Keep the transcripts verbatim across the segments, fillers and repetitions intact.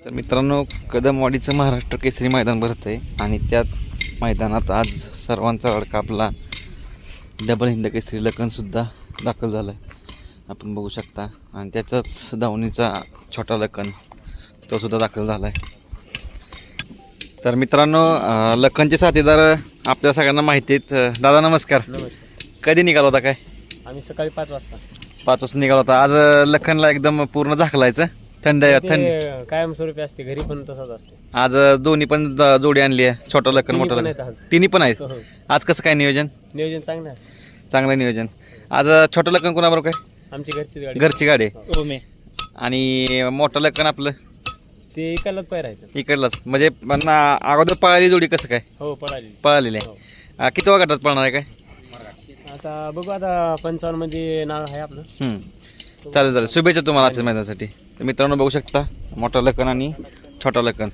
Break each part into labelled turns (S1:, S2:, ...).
S1: तर मित्रांनो, कदमवाडीचं महाराष्ट्र केसरी मैदान भरत आहे आणि त्यात मैदानात आज सर्वांचा अडका आपला डबल हिंद केसरी लखनसुद्धा दाखल झाला आहे, आपण बघू शकता. आणि त्याचाच धावणीचा छोटा लखन तोसुद्धा दाखल झाला आहे. तर मित्रांनो, लखनचे साथीदार आपल्या सगळ्यांना माहिती आहेत. दादा नमस्कार.
S2: नमस्कार.
S1: कधी निघाला होता काय?
S2: आम्ही सकाळी पाच वाजता
S1: पाच वाजता निघाला होता. आज लखनला एकदम पूर्ण झाकलायचं. थंड थंड
S2: ते कायमस्वरूपी असते, घरी पण तसंच असते.
S1: आज दोन्ही पण ज- जोडी आणली आहे, छोटा लखन मोठा
S2: पण
S1: लखन
S2: आहेत आज.
S1: तिन्ही पण आहेत.
S2: हो, हो.
S1: आज कसं काय नियोजन?
S2: नियोजन चांगलं आहे.
S1: चांगलं नियोजन. आज छोटं लखन कोणाबरोबर काय?
S2: आमची घरची गाडी
S1: घरची गाडी आहे.
S2: ओमे
S1: आणि मोठं लखन आपलं
S2: ते इकडलाच पाय राहायचं.
S1: इकडलाच, म्हणजे पण अगोदर पळाली जोडी कसं काय
S2: हो पळाली.
S1: पळालेली आहे.
S2: हो.
S1: अं, किती वा गटात पळणार आहे काय?
S2: आता बघू, आता पंचावन्न मध्ये नाव आहे आपलं.
S1: हम्म. चालेल चालेल, शुभेच्छा तुम्हाला आजच्या मैदानासाठी. तर मित्रांनो बघू शकता, मोठा लखन आणि छोटा लखन.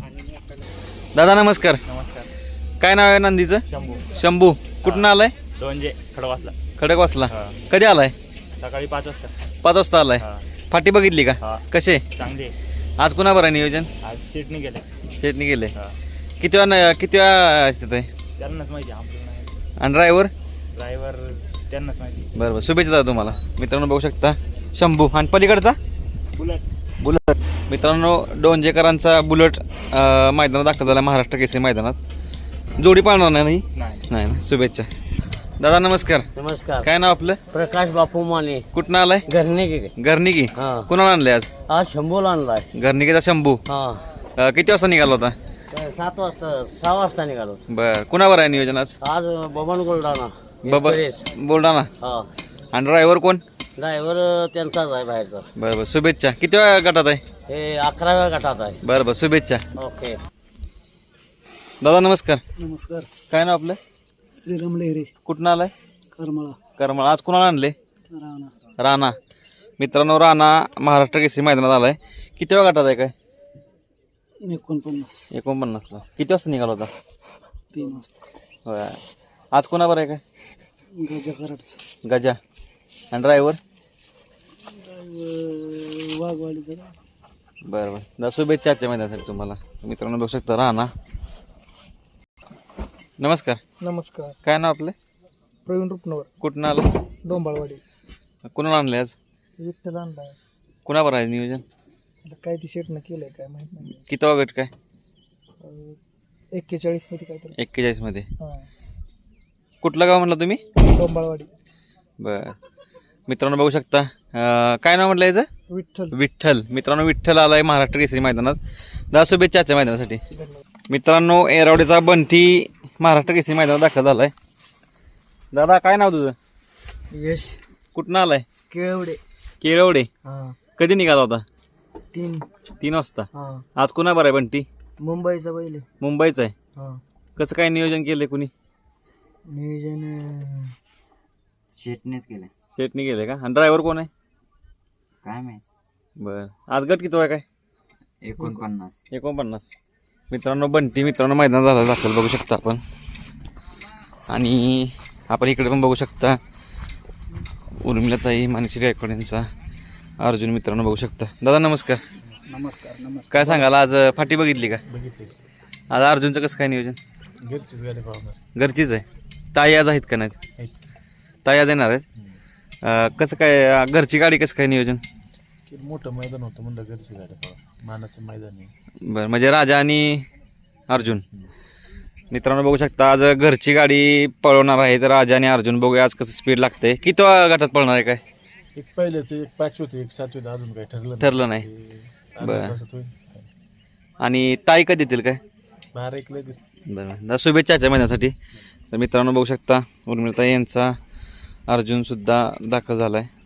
S1: दादा नमस्कार.
S2: नमस्कार.
S1: काय नाव आहे नंदीचं?
S2: शंभू.
S1: शंभू. कुठून आलाय?
S2: दोनजे खडवासला.
S1: खडकवासला.
S2: हा.
S1: कधी आलाय?
S2: सकाळी पाच वाजता.
S1: पाच वाजता आलाय.
S2: हा.
S1: फाटी बघितली का?
S2: हा.
S1: कसे
S2: चांगली.
S1: आज कुणाबर आहे नियोजन?
S2: आज सीटने गेले.
S1: शेतनी गेले.
S2: हा.
S1: किती वेळा किती वेळा आहे?
S2: त्यांनाच माहिती, आपल्याला
S1: आणि ड्रायव्हर?
S2: ड्रायव्हर त्यांनाच माहिती.
S1: बरं बरं, शुभेच्छा दादा तुम्हाला. मित्रांनो बघू शकता, शंभू. आणि पलीकडचा
S2: बुलेट.
S1: बुलट. मित्रांनो, डोंजेकरांचा बुलट अं, मैदानात दाखल झाला, महाराष्ट्र केसरी मैदानात. जोडी पाळणार नाही
S2: नाही.
S1: नाही ना? शुभेच्छा दादा. नमस्कार.
S2: नमस्कार.
S1: काय नाव आपलं?
S2: प्रकाश बापू माने.
S1: कुठनं आलाय?
S2: घरने गेले.
S1: घरनिकी.
S2: हा.
S1: कुणाला आणलंय आज?
S2: आज शंभूला आणलाय.
S1: घरनिकीचा शंभू.
S2: हा.
S1: अं, किती वाजता निघाला होता?
S2: सात वाजता सहा वाजता निघालो.
S1: बर, कुणावर आहे नियोजन आज?
S2: आज बबन गोल्डाना.
S1: बाबा
S2: एक्सप्रेस.
S1: बोलडा ना.
S2: हा.
S1: आणि ड्रायव्हर कोण?
S2: ड्रायव्हर त्यांचाच आहे बाहेरचा.
S1: बरं बरं, शुभेच्छा. किती वेळा गटात आहे?
S2: हे अकराव्या गटात आहे.
S1: बरं बरं, शुभेच्छा.
S2: ओके.
S1: दादा नमस्कार.
S2: नमस्कार.
S1: काय नाव आपलं?
S2: श्रीराम लेहरे.
S1: कुठनं आलाय?
S2: करमळा.
S1: करमळ. आज कुणाला आणले?
S2: राणा.
S1: राणा. मित्रांनो, राणा महाराष्ट्र केसरी मैदानात आलाय. किती वेळा गटात आहे काय?
S2: एकोणपन्नास.
S1: एकोणपन्नासला. किती वाजता निघाला होता?
S2: तीन वाजता.
S1: होय. आज कोणावर आहे काय?
S2: गजा कराडचा.
S1: गजा. आणि ड्रायव्हर?
S2: वाघवाडीचा.
S1: बरं बरं, दादा शुभेच्छा आजच्या मैदानासाठी तुम्हाला. मित्रांनो बघू शकता, राणा. नमस्कार.
S2: नमस्कार.
S1: काय नाव आपलं?
S2: प्रवीण रुपनवर.
S1: कुठनं आलं?
S2: डोंबाळवाडी.
S1: कुणाला आणले आज?
S2: विठ्ठल आणलाय.
S1: कुणावर आहे नियोजन?
S2: काय ती शेटनं केलंय काय माहित नाही.
S1: किती वा गट काय?
S2: एक्केचाळीस मध्ये काहीतरी.
S1: एक्केचाळीस मध्ये.
S2: हा.
S1: कुठलं गाव म्हटलं तुम्ही?
S2: डोंबाळवाडी.
S1: बर. मित्रांनो बघू शकता, अं, काय नाव म्हटलं याचं?
S2: विठ्ठल.
S1: विठ्ठल. मित्रांनो, विठ्ठल आलाय महाराष्ट्र केसरी मैदानात. दादा शुभेच्छा आजच्या मैदानासाठी.
S2: धन्यवाद.
S1: मित्रांनो, एरावडीचा बंटी महाराष्ट्र केसरी मैदानात दाखल झालाय. दादा काय नाव तुझं?
S2: यश.
S1: कुठनं आलाय?
S2: केळवडे.
S1: केळवडे.
S2: हा.
S1: कधी निघाला होता?
S2: तीन.
S1: तीन वाजता.
S2: हा.
S1: आज कुणा बरं आहे बंटी?
S2: मुंबईचा पहिले.
S1: मुंबईचं आहे.
S2: हा.
S1: कसं काय नियोजन केलंय कुणी?
S2: नियोजन
S3: शेटनेच केलं.
S1: सेटनी गेले का? आणि ड्रायव्हर कोण आहे?
S3: काय माहित.
S1: बरं. आज गट किती आहे काय?
S3: एकोणपन्नास.
S1: एकोणपन्नास. मित्रांनो, बंटी मित्रांनो मैदान झालं दाखल बघू शकता आपण. आणि आपण इकडे पण बघू शकता, उर्मिलाताई मानश्री गायकवाड यांचा अर्जुन मित्रांनो बघू शकता. दादा नमस्कार.
S2: नमस्कार. नमस्कार.
S1: काय सांगाल, आज फाटी बघितली का?
S2: बघितले.
S1: आज अर्जुनचं कसं काय नियोजन?
S2: घरचीच गाडी पाहणार.
S1: घरचीच आहे. ताई आज आहेत का नाहीत? ताई आज येणार आहेत. अं, कसं काय अं, घरची गाडी कसं काय नियोजन?
S2: मोठं मैदान होतं म्हणलं घरची गाडी पाहा. मानाचं मैदान आहे.
S1: बरं, म्हणजे राजा आणि अर्जुन. मित्रांनो बघू शकता, आज घरची गाडी पळवणार आहे तर राजा आणि अर्जुन. बघूया आज कसं स्पीड लागते. किती गटात पळणार आहे काय?
S2: एक पहिले ते एक पाचवी एक सातवी अजून काही ठरलं
S1: ठरलं नाही.
S2: नाही.
S1: बरं.
S2: होईल.
S1: आणि ताई कधी येतील काय?
S2: बारा एक लगेच.
S1: बरं. दादा शुभेच्छा आजच्या महिन्यासाठी. तर मित्रांनो बघू शकता, उर्मिळताई यांचा अर्जुनसुद्धा दाखल झाला आहे.